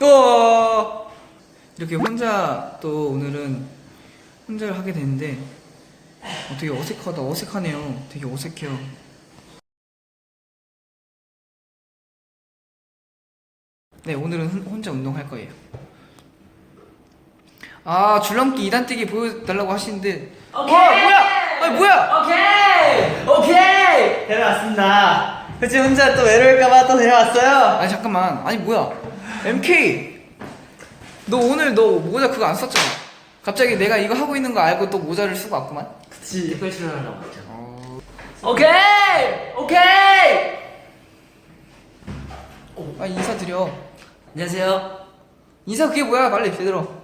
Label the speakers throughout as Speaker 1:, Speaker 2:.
Speaker 1: 또 이렇게 혼자 또 오늘은 혼자를 하게 되는데 되게 어색하네요. 되게 어색해요. 네, 오늘은 혼자 운동할 거예요. 아, 줄넘기 2단 뛰기 보여달라고 하시는데
Speaker 2: 오케이!
Speaker 1: 뭐야! 아니 뭐야!
Speaker 2: 오케이! 데려왔습니다. 그치, 혼자 또 외로울까봐 또 데려왔어요.
Speaker 1: 아니 잠깐만, 아니 뭐야, MK 너 오늘 너 모자 그거 안 썼잖아. 갑자기 내가 이거 하고 있는 거 알고 또 모자를 쓰고 왔구만.
Speaker 2: 그치. 특별 출연하려고 했죠.
Speaker 1: 오케이!
Speaker 2: 오케이!
Speaker 1: 아, 인사드려.
Speaker 2: 안녕하세요.
Speaker 1: 인사 그게 뭐야, 빨리 제대로.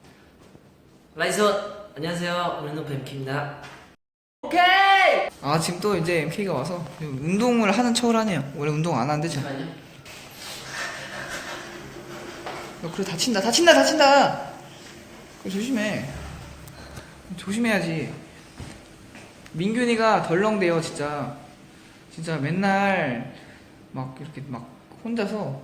Speaker 2: 라이선. 안녕하세요. 오늘은 뱀키입니다. 오케이!
Speaker 1: 아, 지금 또 이제 MK가 와서 운동을 하는 척을 하네요. 원래 운동 안 하는데 지금.
Speaker 2: 잠깐만요.
Speaker 1: 야, 그래, 다친다. 그래, 조심해야지. 민균이가 덜렁대요, 진짜 맨날 막 이렇게 막 혼자서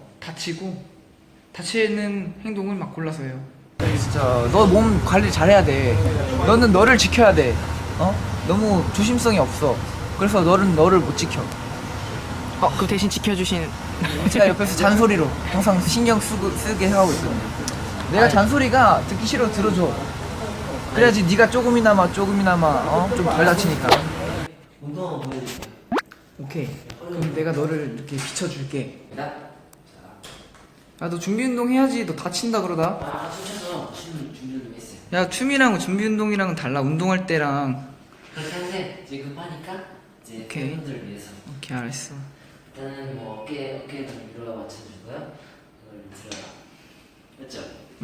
Speaker 1: 다치는 행동을 막 골라서 해요. 진짜 너 몸 관리 잘해야 돼. 너는 너를 지켜야 돼. 너무 조심성이 없어. 그래서 너를 못 지켜.
Speaker 3: 그 대신 지켜주신
Speaker 1: 제가 옆에서 잔소리로 항상 신경 쓰게 하고 있어. 내가 잔소리가 듣기 싫어 들어줘. 그래야지 네가 조금이나마 좀 덜 다치니까.
Speaker 2: 운동 한번 보여드릴게요.
Speaker 1: 오케이. 그럼 내가 너를 이렇게 비춰줄게. 야, 너 준비 운동 해야지. 너 다친다 그러다.
Speaker 2: 춤춰서 준비 운동 했어요.
Speaker 1: 야, 춤이랑 준비 운동이랑은 달라. 운동할 때랑.
Speaker 2: 그렇게 하는데 이제 급하니까 이제
Speaker 1: 오케이.
Speaker 2: 팬분들을 위해서
Speaker 1: 오케이, 알았어.
Speaker 2: 일단은 뭐 어깨를 위로 맞춰주고요. 이걸 들어요. 맞죠?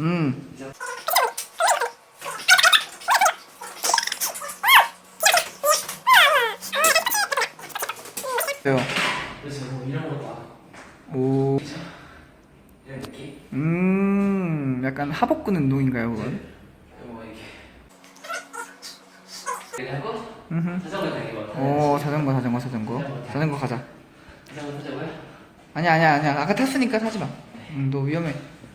Speaker 1: 돼요.
Speaker 2: 그래서 뭐 이런 거 봐.
Speaker 1: 오.
Speaker 2: 이런 느낌?
Speaker 1: 약간 하복근 운동인가요, 그건?
Speaker 2: 뭐 이렇게 이렇게 하고
Speaker 1: 음흠.
Speaker 2: 자전거 타기 뭐.
Speaker 1: 자전거 가자. 자전거 가자.
Speaker 2: 자전거 타자고요?
Speaker 1: 아니야. 아까 탔으니까 타지 마. 너 위험해.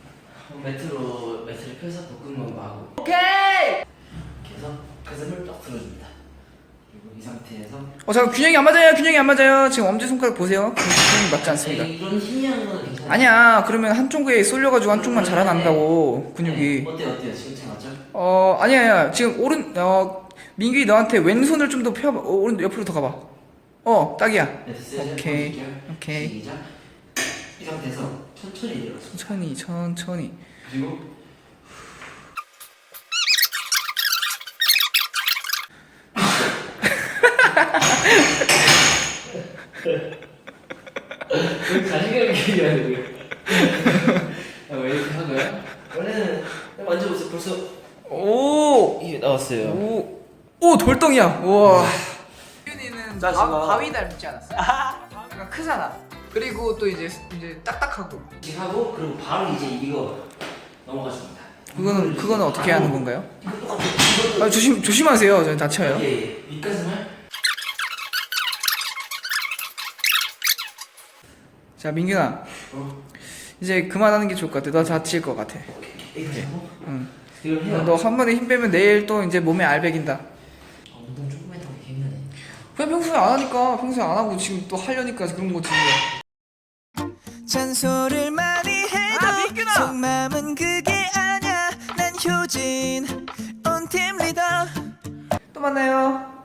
Speaker 2: 매트를 펴서 복근만 하고.
Speaker 1: 오케이!
Speaker 2: 이렇게 해서 가슴을 딱 들어줍니다. 그리고 이 상태에서
Speaker 1: 잠깐 균형이 안 맞아요. 지금 엄지손가락 보세요. 균형이 맞지 않습니다.
Speaker 2: 이런 희미한 거는 괜찮아요.
Speaker 1: 아니야, 그러면 한쪽에 쏠려가지고 한쪽만 자라난다고, 근육이.
Speaker 2: 어때요? 지금 잘 맞죠?
Speaker 1: 아니야. 지금 민규이 너한테 왼손을 좀 더 펴봐. 오른 옆으로 더 가봐. 딱이야.
Speaker 2: 네, 됐어요.
Speaker 1: 오케이.
Speaker 2: 시작. 이 상태에서 천천히 내려가세요.
Speaker 1: 천천히.
Speaker 2: 그리고 자신감 있게 얘기하는 거예요. 왜 이렇게 하고요? 원래는 만져보세요. 벌써 이게 나왔어요.
Speaker 1: 오, 돌덩이야. 우와. 균이는
Speaker 2: 나 지금
Speaker 1: 바위 닮지 않았어? 약간 크잖아. 그리고 또 이제 딱딱하고.
Speaker 2: 이렇게 하고 그리고 바로 이제 이거 넘어가줍니다.
Speaker 1: 그거는 어떻게 하는 건가요?
Speaker 2: 이거 똑같아요.
Speaker 1: 조심하세요. 저 다쳐요.
Speaker 2: 예. 윗가슴을
Speaker 1: 자, 민균아. 이제 그만하는 게 좋을 것 같아. 너 다칠 것 같아.
Speaker 2: 이렇게 하고
Speaker 1: 응.
Speaker 2: 이걸 해요.
Speaker 1: 너 한 번에 힘 빼면 내일 또 이제 몸에 알배긴다.
Speaker 2: 운동 조금 했다고 힘드네.
Speaker 1: 그냥 평소에 안 하니까, 평소에 안 하고 지금 또 하려니까 그런 거지.
Speaker 3: 잔소리를 많이 해도 속마음은 그게 아냐. 난 효진 온팀 리더.
Speaker 1: 또 만나요.